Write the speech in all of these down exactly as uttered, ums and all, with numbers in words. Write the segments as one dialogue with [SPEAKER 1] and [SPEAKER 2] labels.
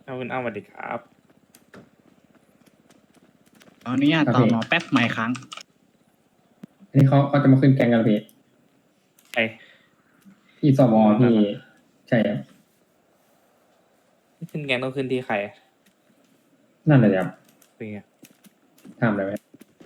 [SPEAKER 1] เอาคุณอ้าสวัสดีครับ
[SPEAKER 2] ตอนนี้ต่อหมอแป๊บใหม่ครั้ง
[SPEAKER 3] อันนี้เขาเขาจะมาขึ้นแกงกันเหรอพี่
[SPEAKER 1] ไอ้
[SPEAKER 3] พี่สวพี่ใช่ครับ
[SPEAKER 1] ขึ้นแกงต้องขึ้นที่ใครอะ
[SPEAKER 3] นั่นเลยครับ
[SPEAKER 1] เป็นไง
[SPEAKER 3] ทำอะไรไหม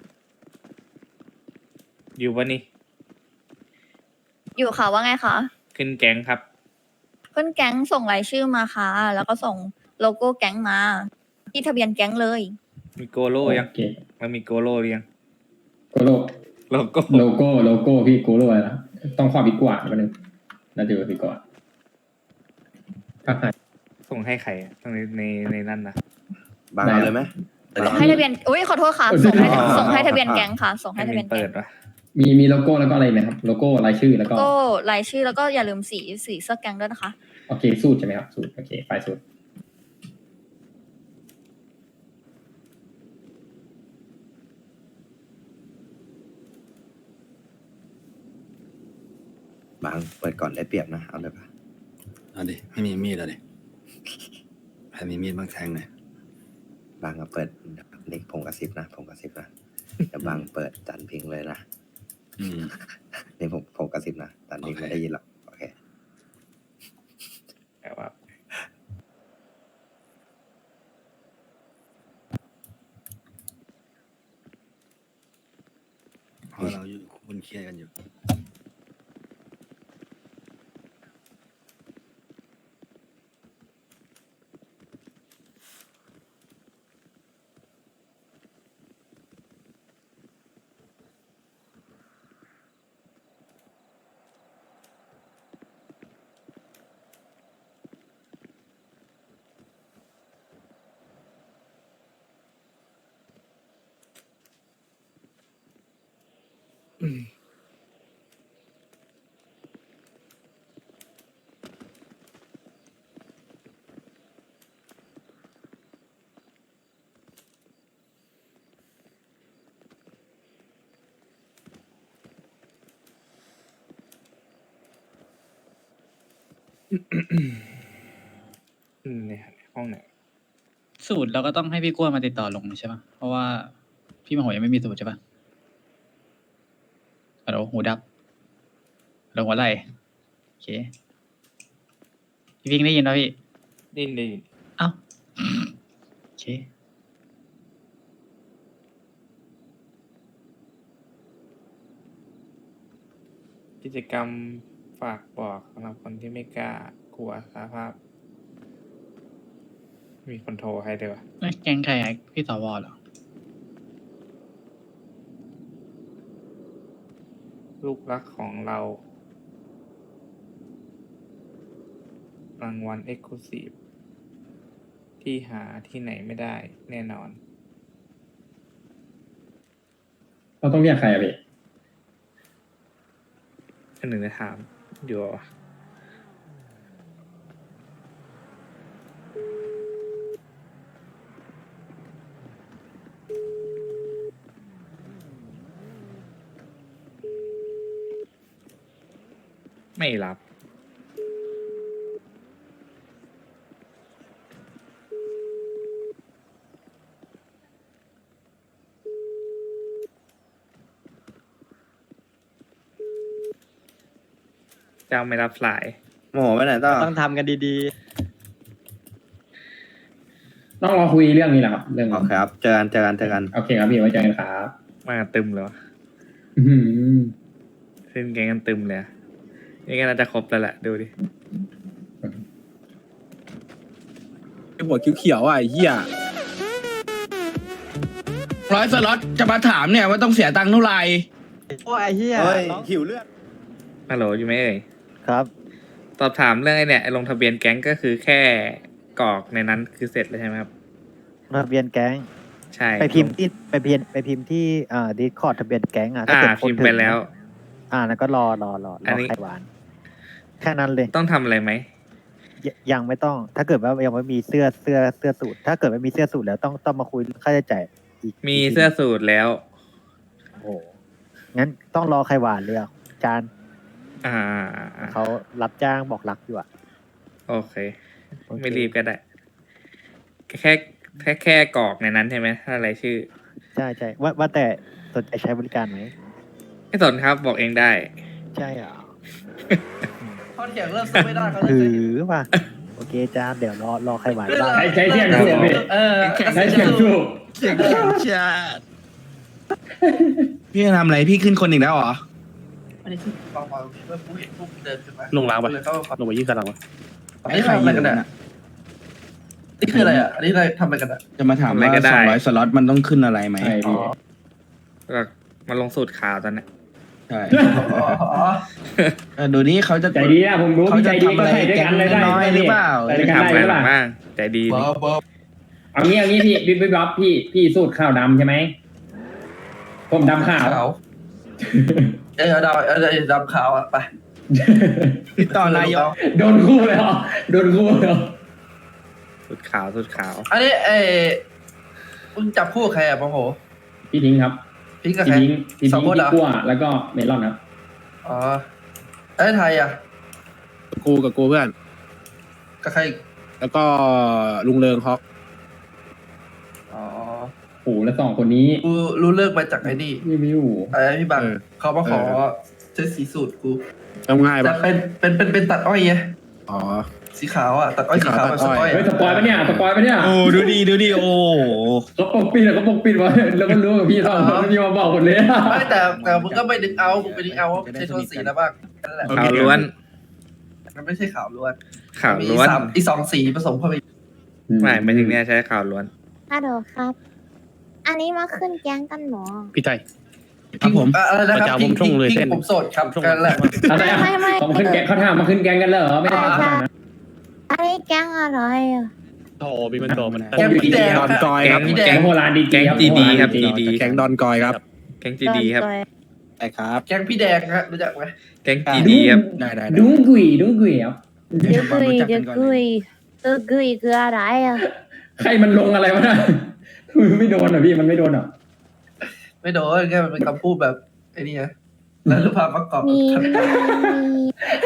[SPEAKER 1] อยู่วะนี่
[SPEAKER 4] อยู่ค่ะว่าไงคะ
[SPEAKER 1] ขึ้นแกงครับ
[SPEAKER 4] ขึ้นแก๊งส่งรายชื่อมาค่ะ แล้วก็ส่งโลโก้แก๊งมา ที่ทะเบียนแก๊งเลย
[SPEAKER 1] มีโกโล่ยัง
[SPEAKER 3] โอเค
[SPEAKER 1] มันมีโกโล่หรือยัง
[SPEAKER 3] โกโล
[SPEAKER 1] โลโก้
[SPEAKER 3] โลโก้โลโก้พี่โกโลอะไรนะต้องข้อพิกวาดมาหนึ่งน่าจะเป็นพิกวาดภาคไทย
[SPEAKER 1] ส่งให้ใครอะในในในนั้นนะ
[SPEAKER 5] บางเอาเลยไหม
[SPEAKER 4] ส่งให้ทะเบียน อุ้ยขอโทษค่ะ ส่งให้ส่งให้ทะเบียนแก๊งค่ะ ส่งให้
[SPEAKER 1] ให้
[SPEAKER 4] ทะ
[SPEAKER 1] มั
[SPEAKER 4] เบีย
[SPEAKER 1] น
[SPEAKER 4] น
[SPEAKER 1] เปิ
[SPEAKER 4] แก๊
[SPEAKER 1] ด
[SPEAKER 4] ง
[SPEAKER 1] วะ
[SPEAKER 3] มีมีโลโก้แล้วก็อะไรไหมครับโลโก้รายชื่อแล้วก็
[SPEAKER 4] ก็รายชื่อแล้วก็อย่าลืมสีสีเสื้อแก๊งด้วยนะคะ
[SPEAKER 3] โอเคสูตรใช่ไหมครับสูตรโอเคไฟล์สูตร
[SPEAKER 5] บางเปิดก่อนได้เปรียบนะเอาเลยปะ
[SPEAKER 6] เอาดิไม่มีมีดเลยใครมีมีดบ้างแทงหน่อย
[SPEAKER 5] บางก็เปิดเด็กผมกระซิบนะผมกระซิบนะเดี๋ยวบางเปิดจันพิงเลยนะ
[SPEAKER 6] อืม
[SPEAKER 5] นี่ผมผมกระซิบนะจันพิง
[SPEAKER 6] โอเค
[SPEAKER 5] ไม่ได้ยินหรอกโอเค
[SPEAKER 1] แต่ว่า
[SPEAKER 6] เพราะเราอยู่คุณเครียดกันอยู่
[SPEAKER 1] อืมเนี่ยห้องไหน
[SPEAKER 2] สูตรเราก็ต้องให้พี่กล้วยมาติดต่อลงใช่ปะเพราะว่าพี่มโหยังไม่มีสูตรใช่ปะฮัลโหลหูดับลงหัวไหล่โอเค พี่พิงได้ยินป่ะพี่
[SPEAKER 1] ดิ้นดิ
[SPEAKER 2] เอ้า โอเค
[SPEAKER 1] กิจกรรมฝากบอกสำหรับคนที่ไม่กล้ากลัวสาภาพ มีคนโทรให้ด้วยวะ
[SPEAKER 2] แล้วแกงใครอะพี่สวเหรอ
[SPEAKER 1] ลูกรักของเรา รางวัลเอ็กซ์คลูซีฟที่หาที่ไหนไม่ได้แน่นอน
[SPEAKER 3] เราต้องเรียกใครอะพี่
[SPEAKER 1] อันหนึ่งจะถามอยู่วะไม่รับ เจ้าไม่รับสาย
[SPEAKER 5] โมโหไปไหนต่อ
[SPEAKER 7] ต้องทำกันดี
[SPEAKER 3] ต้องรอคุยเรื่องนี้แหละครับ เรื่อง
[SPEAKER 5] โอเคครับเจอกันเจอกันเจอกัน
[SPEAKER 3] โอเคครับพี่ไว้เจอกันครับ
[SPEAKER 1] มาตึมเลยวะ
[SPEAKER 3] อื้อหือ
[SPEAKER 1] ขึ้นแกงกันตึมเลยอะนี่ก็น่าจะครบแล้วแหละ ดูดิ
[SPEAKER 8] ไอหัวเขียวๆอ่ะไอ้เหี้ยร้อยสล็อตจะมาถามเนี่ยว่าต้องเสียตังค์เท่าไหร่
[SPEAKER 7] ๆ โอ้ยไอ้เหี้ย
[SPEAKER 5] เฮ้ย
[SPEAKER 7] น้อง
[SPEAKER 5] หิวเลือด
[SPEAKER 1] ฮัลโหลอยู่ไหมเอ่ย
[SPEAKER 7] ครับ
[SPEAKER 1] สอบถามเรื่องไอ้เนี่ยไอ้ลงทะเบียนแก๊งก็คือแค่กรอกในนั้นคือเสร็จแล้วใช่ไหมครับ
[SPEAKER 7] ทะเบียนแก๊ง
[SPEAKER 1] ใช่
[SPEAKER 7] ไปพิมพ์ที่ไปพิมพ์ไปพิมพ์ที่อ่าดีคอร์ดทะเบียนแก๊งอ่ะถ้า
[SPEAKER 1] อ่า
[SPEAKER 7] เกิด
[SPEAKER 1] พิมพ์ไปแล้ว
[SPEAKER 7] อ่าแล้วก็รอรอรอ
[SPEAKER 1] อั
[SPEAKER 7] ร
[SPEAKER 1] น
[SPEAKER 7] อ
[SPEAKER 1] นี้
[SPEAKER 7] ไข่หวาน แค่นั้นเลย
[SPEAKER 1] ต้องทำอะไรไหม
[SPEAKER 7] ยยังไม่ต้อง ถ้าเกิดว่ายังไม่มีเสื้อเสื้อเสื้อสูทถ้าเกิดไม่มีเสื้อสูทแล้วต้องต้องมาคุยเรื่องค่าใช้จ่ายอีก
[SPEAKER 1] มี
[SPEAKER 7] กที
[SPEAKER 1] เสื้อสูทแล้ว
[SPEAKER 7] โอ้โหงั้นต้องรอไข่หวานเลยอ่ะจาน
[SPEAKER 1] อ่า
[SPEAKER 7] เขารับจ้างบอกรักอยู่อ่ะ
[SPEAKER 1] โอเค
[SPEAKER 7] โอเค
[SPEAKER 1] ไม่รีบก็ได้แค่แค่แค่กรอกในนั้นใช่ไหมถ้าอะไรชื่อ
[SPEAKER 7] ใช่ใช่ว่าว่าแต่สนใจใช้บริการไหม
[SPEAKER 1] ไม่สนครับบอกเองได้
[SPEAKER 7] ใช่เหรอ
[SPEAKER 8] ข้อเถียงเริ่มสู้ไม่ได้เขาเลย
[SPEAKER 7] ถือว่าโอเคจ้าเดี๋ยวรอรอใครไหวบ้าง
[SPEAKER 3] ใช้ใช้เสียงสูบพี่
[SPEAKER 8] เออ
[SPEAKER 3] ใช้เสียงสูบ
[SPEAKER 8] เสียงแข็งชาติพี่จะทำอะไรพี่ขึ้นคนอีกแล้วเหรออันนี้คือเบาๆเมื่อกูเห็นพวกเดินขึ้นมา
[SPEAKER 9] ลงล้างปะ
[SPEAKER 8] เลยเข้ามา
[SPEAKER 9] ลงไปยี่กันหลังวะ
[SPEAKER 8] อันนี้ทำอะไรกันอ่ะนี่คืออะไรอ่ะ อันนี้อะไรทำอะไรกันอ่ะ จะมาถาม
[SPEAKER 1] ทำอะไร
[SPEAKER 8] ว่า
[SPEAKER 1] ก็ได้
[SPEAKER 8] สองร้อยสล็อตมันต้องขึ้นอะไรไหม
[SPEAKER 3] ใช่พี่
[SPEAKER 1] ก็มาลงสูตรข่าวตอนเนี้ย
[SPEAKER 8] ใช่เออดูนี่เขาจะ
[SPEAKER 3] ใจดีนะผมรู้
[SPEAKER 8] เขา
[SPEAKER 3] พี่ใจ
[SPEAKER 8] จะ
[SPEAKER 3] ดี
[SPEAKER 8] ทำ
[SPEAKER 3] ก็
[SPEAKER 8] อะไร
[SPEAKER 3] ใส่ด้วย
[SPEAKER 8] แก๊
[SPEAKER 3] กัน
[SPEAKER 8] ง
[SPEAKER 3] เลยได้
[SPEAKER 8] น้อยหรือเปล่า
[SPEAKER 3] ใส่ด้วยกัน
[SPEAKER 1] ทำ
[SPEAKER 3] ได้
[SPEAKER 1] อะไร
[SPEAKER 3] หรือ
[SPEAKER 1] ห
[SPEAKER 3] เป
[SPEAKER 1] ลั
[SPEAKER 3] ล่าง
[SPEAKER 1] บ้างใจดี
[SPEAKER 8] บ
[SPEAKER 1] นี่
[SPEAKER 8] อบอบ
[SPEAKER 3] เอางี้เอางี้พี่พี่พี่บ๊อบพี่พี่สูตรข้าวดำใช่ไหมผมดำขาว
[SPEAKER 8] เออดำเออดำขาวอ่ะไปติดต่อนายก
[SPEAKER 3] โดนคู่เลยเหรอโดนคู่เลยเหรอ
[SPEAKER 1] สูตรขาวสูตรขาว
[SPEAKER 8] อันนี้เออมึงจับคู่กับใครอ่ะปะโห
[SPEAKER 3] พี่ทิ้งครับ
[SPEAKER 8] พี่กับ
[SPEAKER 3] พี่
[SPEAKER 8] ใคร
[SPEAKER 3] ทิ้งพี่
[SPEAKER 8] สอ
[SPEAKER 3] ทิ้
[SPEAKER 8] ง
[SPEAKER 3] ง
[SPEAKER 8] คนเหรอ
[SPEAKER 3] พี่กั้วแล้วก็เมลอนครับ
[SPEAKER 8] อ๋อไอ้ไทยอ่ะ
[SPEAKER 9] กูกับกูเพื่อน
[SPEAKER 8] กับใคร
[SPEAKER 9] แล้วก็ลุงเริงฮอก
[SPEAKER 8] อ๋อ
[SPEAKER 3] โอ้โหแล้วสองคนนี้
[SPEAKER 8] กูรู้เลิกมาจากไอ้นี่
[SPEAKER 3] รีวิว
[SPEAKER 8] ไอ้พี่บังเขามาขอเสื้อสีสูตรกู
[SPEAKER 9] ทำง่าย
[SPEAKER 8] แต่
[SPEAKER 9] ปะ
[SPEAKER 8] เป็นเป็นเป็นเป็นตัดอ้อยไง
[SPEAKER 9] อ๋อ
[SPEAKER 8] สีขาวอ่ะตัดอ้อยสีขาวแบบสปอย
[SPEAKER 3] เฮ้ยสปอยล์ปะเนี่ยสปอยล์ปะเนี่ย
[SPEAKER 8] โอ้ดูดีดูดีโอ้
[SPEAKER 3] เขาปกปิดแล้วเขาปกปิดไว้แล้วก็รู้กับพี่สองคนแล้วพี่มาบอกหมดเลย
[SPEAKER 8] ไม่แต่แต่มึงก็ไม่ดึงเอามึงไปดึงเอาว่าไม่ใช่โทนสีแล้วบ้างนั่นแหละ
[SPEAKER 1] ขาวล้วน
[SPEAKER 8] มันไม่ใช่ขาวล้วน
[SPEAKER 1] ขาว
[SPEAKER 8] มี
[SPEAKER 1] ล้วน
[SPEAKER 8] สามอีสองสีผสมเข้าไป
[SPEAKER 1] ไม่ไม่ถึงเนี้ยใช้ขาวล้วน
[SPEAKER 4] ฮัลโหลครับ อันนี้มาขึ้นแก๊งกันหมอ
[SPEAKER 9] พี่ไทย
[SPEAKER 8] ครับผมอะไรนะครับ
[SPEAKER 9] ประจาผมช่วงเลยเส้น
[SPEAKER 8] ผมโสดครับกันแหละ
[SPEAKER 3] อะไรอ่ะ
[SPEAKER 4] ไม่ไม่
[SPEAKER 3] เขามาขึ้นแกงเขาถามมาขึ้นแกงกันเหรอไม่ได้ถามนะ
[SPEAKER 4] อันนี้แก๊งอะไรอ่ะ
[SPEAKER 9] โอ้มีมันโตมัน
[SPEAKER 8] แกงพี่แดง
[SPEAKER 9] ดอนกอย
[SPEAKER 1] แก๊
[SPEAKER 9] ครั
[SPEAKER 1] ง
[SPEAKER 9] บ
[SPEAKER 8] พี่แด
[SPEAKER 1] แก๊
[SPEAKER 8] ง
[SPEAKER 1] ง
[SPEAKER 3] โบราณดี
[SPEAKER 1] แก๊ง
[SPEAKER 3] ๆ
[SPEAKER 1] GD ครับ
[SPEAKER 3] โบาณ
[SPEAKER 1] GD
[SPEAKER 9] แก๊งดอนกอยครับ
[SPEAKER 1] แก๊งจีดีครับ
[SPEAKER 9] ใช่ครับ
[SPEAKER 8] แกงพี่แดงฮะรู้จักไหม
[SPEAKER 1] แก๊งจีดีครับ
[SPEAKER 8] ได้ได้
[SPEAKER 3] ดุ้งกุยดุ้งกุยครับ
[SPEAKER 4] เดี๋ยวกุยเดี๋ยวกุยเออกุยคืออะไรอ่ะ
[SPEAKER 3] ใครมันลงอะไรวะน่ะไม่โดนเหรอพี่มันไม่โดนเหรอ
[SPEAKER 8] ไม่โดนแค่มันเป็นคำพูดแบบไอ้นี่ไงแล้วรูปภาพประกอบ
[SPEAKER 4] มีมีมี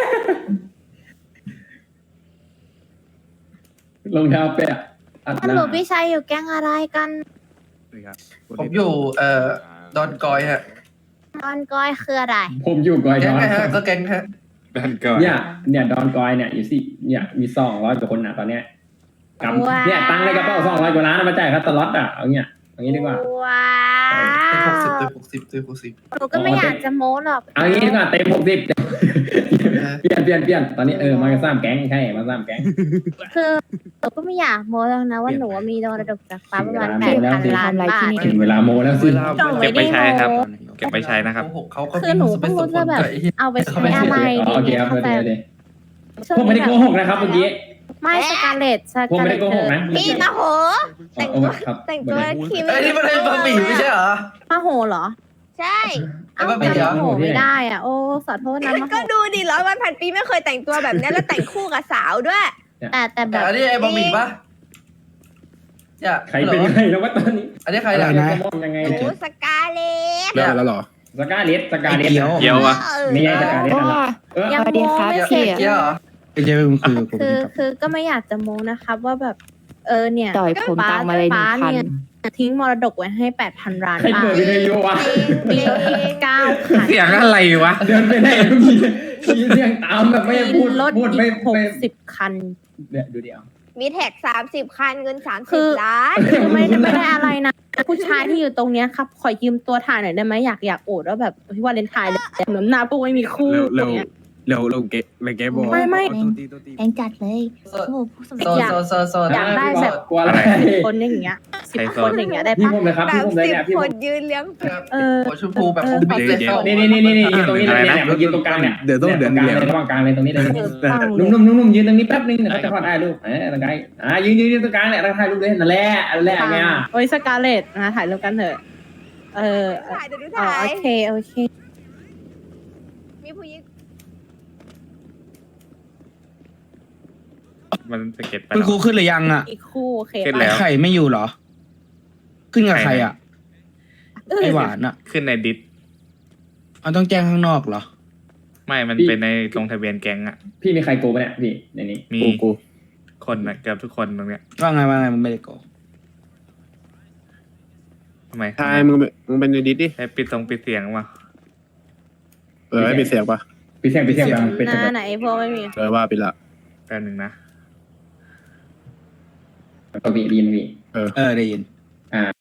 [SPEAKER 3] รองเท้าแปะอัดห
[SPEAKER 4] ฮัล
[SPEAKER 3] น้า
[SPEAKER 4] โหลพี่ชายอยู่แก๊งอะไรกัน
[SPEAKER 8] ผมอยู่เอ่อดอนกอยฮะ
[SPEAKER 4] ตอนก้อยคืออะไร
[SPEAKER 3] ผมอยู่กอย
[SPEAKER 8] แก๊
[SPEAKER 3] ด
[SPEAKER 8] ง
[SPEAKER 3] อน
[SPEAKER 8] ไงฮะก็แก๊งฮะ
[SPEAKER 1] ดันก่อน
[SPEAKER 3] เนี่ยเนี่ยดอนกอยเนี่ยอยู่สิเนี่ยมีสองร้อยกว่าคนนะตอนเนี้ยกำเนี่ยตังค์ในกระเป๋าสองร้อยกว่าล้านมาจ่ายค่าสล็อตอ่ะเอาเงี้ยเอางี้ดีกว่า
[SPEAKER 4] ว้า
[SPEAKER 8] เต็มห
[SPEAKER 4] ว
[SPEAKER 8] กสิบเต็มหกสิบเต็มหกสิบ
[SPEAKER 4] หนูก็ไม่อยากจะโม้หรอก
[SPEAKER 3] เอางี้ดีกว่าเต็มหกสิบเปลี่ยนเปลี่ยนเปลี่ยนตอนนี้เออมาสร้างแก๊งใช่มาสร้างแก๊ง
[SPEAKER 4] คือหนูก็ไม่อยากโม้หรอกนะว่าหนูมีโดนระดกจากฟ้าประมาณแปดพันล้านบาท
[SPEAKER 3] ถึงเวลาโมแล้วสิ
[SPEAKER 4] หนู
[SPEAKER 1] เก็
[SPEAKER 4] ไม่
[SPEAKER 1] บไป
[SPEAKER 4] ได้
[SPEAKER 1] ใช้ครับ
[SPEAKER 4] โม้
[SPEAKER 1] เก็บไปใช้นะครับ
[SPEAKER 8] โกหกเขาก็
[SPEAKER 4] คือหนูก็ไม่รู้จะแบบเอาไปใช้อะไรดี
[SPEAKER 3] โอเค
[SPEAKER 4] เนี่ย
[SPEAKER 3] ครับ
[SPEAKER 4] เข้าใจ
[SPEAKER 3] เดี๋ยวเดี๋ยวผมไม่ได้โกหกนะครับเมื่อกี้
[SPEAKER 4] ไม่สกาเลตส
[SPEAKER 3] ผม
[SPEAKER 4] กา
[SPEAKER 3] ไม่
[SPEAKER 4] เล
[SPEAKER 3] ได้
[SPEAKER 4] ต
[SPEAKER 3] โกหกนะ
[SPEAKER 4] พี่มาโห แต่ง
[SPEAKER 3] เอา
[SPEAKER 4] ตัว
[SPEAKER 3] ครับ
[SPEAKER 4] แต่งตัวคิว
[SPEAKER 8] ไอ้นี่มันเป็นบะหมี่ไม่ใช่เหรอ
[SPEAKER 4] มาโหเหรอ
[SPEAKER 10] ใช่
[SPEAKER 4] เอา
[SPEAKER 8] ไอ้
[SPEAKER 4] แต่
[SPEAKER 8] บะหมี่เหรอ
[SPEAKER 4] มาโหไม่ได้อ่ะโอ้ขอโทษนะมาโห
[SPEAKER 10] ก็ดูดิร้อยวันพันปีไม่เคยแต่งตัวแบบนี้แล้วแต่งคู่กับสาวด้วย
[SPEAKER 4] แต่แต่แบ
[SPEAKER 8] แต่
[SPEAKER 4] บ
[SPEAKER 8] อันนี้ไอ้บะหมี่ปะเนี่ย
[SPEAKER 3] ใครเป็นใครแล้วว่าตอนนี้
[SPEAKER 8] อันนี้ใคร
[SPEAKER 3] อะไร
[SPEAKER 8] เนี่ย
[SPEAKER 3] นะยังไง
[SPEAKER 10] โอ้
[SPEAKER 3] เนี่ย
[SPEAKER 10] สกาเลต
[SPEAKER 9] เลิกแล้วเหรอ
[SPEAKER 3] สกาเลสสกาเลส
[SPEAKER 8] เกียว
[SPEAKER 1] เกียวอะ
[SPEAKER 3] ไม่ใช่สกาเลสนะเออ
[SPEAKER 4] ยังโมไม่เสร็จ
[SPEAKER 8] เกียวเหรอ
[SPEAKER 9] ไม่ใช่เป็นคือผม
[SPEAKER 4] คือคือก็ไม่อยากจะโมนะครับว่าแบบ เออเนี่ย
[SPEAKER 10] ต่อยผมตังมาเลยหนึ่งพัน
[SPEAKER 4] เนี่ยทิ้งมรดกไว้ให้แปดพันล้าน
[SPEAKER 3] ใคร
[SPEAKER 4] บา
[SPEAKER 3] เปิ
[SPEAKER 4] ท
[SPEAKER 3] ดวิทยุวะ
[SPEAKER 4] มีรถอีกเก้าคัน
[SPEAKER 1] เสียงอะไรวะ
[SPEAKER 3] เดินไปไหนมีมีเสียงตามแบบไม่พูด
[SPEAKER 4] รถ
[SPEAKER 3] พูด
[SPEAKER 4] อี
[SPEAKER 3] ไม่
[SPEAKER 4] กหก
[SPEAKER 3] ไม่
[SPEAKER 4] สิบคัน
[SPEAKER 3] เนี่ยดูเดียว
[SPEAKER 10] มีแท็กสามสิบคันเงินสาม
[SPEAKER 4] คื
[SPEAKER 10] สิบ
[SPEAKER 4] อ
[SPEAKER 10] ล้าน
[SPEAKER 4] คือไม่ได้ไม่ได้อะไรนะ ผู้ชายที่อยู่ตรงเนี้ยครับ ขอยืมตัวถ่ายหน่อยได้ไหมอยากอยากโอดว่าแบบพี่วาเลนไทน์เลยเหมือนหน้าพวกไม่มีคู่
[SPEAKER 9] เร็ว
[SPEAKER 4] ต
[SPEAKER 9] เร็ว
[SPEAKER 4] รงเนี้ย
[SPEAKER 9] เร็วเร็วเกะเร็วเกะบอก
[SPEAKER 4] ไม่ไม่
[SPEAKER 10] แองจัดเลย
[SPEAKER 8] โซ
[SPEAKER 10] โอ้โหผู้สมั
[SPEAKER 8] โซ
[SPEAKER 10] คร
[SPEAKER 8] โซโซโซ
[SPEAKER 4] อยากได้แบบ
[SPEAKER 3] กลัวอะไร
[SPEAKER 4] คนอย่างเงี้ยสิบ
[SPEAKER 1] ใคร
[SPEAKER 4] ค
[SPEAKER 1] สอน
[SPEAKER 4] นอย่างเงี้ยได้
[SPEAKER 3] พี่
[SPEAKER 4] ปะ
[SPEAKER 3] ผมเลยครับ
[SPEAKER 10] แบ
[SPEAKER 3] พี่
[SPEAKER 10] บ
[SPEAKER 3] ผมเลย
[SPEAKER 10] สิบ
[SPEAKER 3] เนี่ยพี่
[SPEAKER 10] ค
[SPEAKER 3] ผม
[SPEAKER 10] นยืนเลี้ยง
[SPEAKER 4] เออ
[SPEAKER 8] หัวชมพูแบบผมบิ๊กเลยเข้า
[SPEAKER 3] นี่นี่นี่นี่นี่ยืนตรงนี้เลยเนี่ยมายืนตรงกลางเนี่ย
[SPEAKER 9] เดี๋ยวต้อง
[SPEAKER 3] ต
[SPEAKER 9] เดี๋
[SPEAKER 3] ร
[SPEAKER 9] ยว
[SPEAKER 3] งกลาง
[SPEAKER 9] เดี๋ยว
[SPEAKER 3] เลยระหว่างกลางเลยตรงนี้เลย
[SPEAKER 4] ฟัง
[SPEAKER 3] นุ่มนุ่มนุ่มนุ่มยืนตรงนี้แป๊บนึงเดี๋ยวเขาจะขอได้รูปเออตรงกลางอ่ายืนยืนยืนตรงกลางเนี่ยแล้วถ่ายรูปเลยนั่นแหละนั่นแหละไงอ่ะ
[SPEAKER 4] โอ้ยสกาเลตนะถ่ายรูปกันเถอะ เออ
[SPEAKER 10] ถ่ายเดี๋ยวดู
[SPEAKER 4] อ๋อ
[SPEAKER 10] ถ่าย
[SPEAKER 4] โอเคโอเค
[SPEAKER 10] มีผู้หญิง
[SPEAKER 1] มันสเก็ตไป
[SPEAKER 8] คุณ
[SPEAKER 1] แล้ว
[SPEAKER 8] ครูขึ้นหรือยังอ่ะ
[SPEAKER 4] อีกคู่โอเค
[SPEAKER 1] ขึ้น
[SPEAKER 4] ปะ
[SPEAKER 1] แล้ว
[SPEAKER 8] ไข่ไม่อยู่เหรอ ขึ้นกับใครอ่ะ
[SPEAKER 4] เออ
[SPEAKER 8] ไอหวานอ่ะ
[SPEAKER 1] ขึ้นในดิส
[SPEAKER 8] มันต้องแจ้งข้างนอกเหรอ
[SPEAKER 1] ไม่มันเป็นในลงทะเบียนแก๊งอะ
[SPEAKER 3] พี่มีใครโกงปะเนี่ยพี่ในนี้
[SPEAKER 1] มี
[SPEAKER 9] กูกู
[SPEAKER 1] คคนนะเกือบทุกคนตรงเนี้ย
[SPEAKER 8] ว่าไงว่าไงมึงไม่ได้โก
[SPEAKER 1] ทำไม
[SPEAKER 9] ทายมึงเป็นมึงเป็นในดิสดิ
[SPEAKER 1] ให้ปิดตรงปิดเสียงมา
[SPEAKER 9] เออให้ปิดเสียงปะ
[SPEAKER 3] พี่เสียงพี่เสียงดังเป็น
[SPEAKER 4] หน้าไหนพวกไม่มี
[SPEAKER 9] เออว่าปิดละ
[SPEAKER 1] แป๊บหนึ่งนะ
[SPEAKER 3] ตัวบีดีนพี่
[SPEAKER 8] เออได้ยิน
[SPEAKER 3] อ่า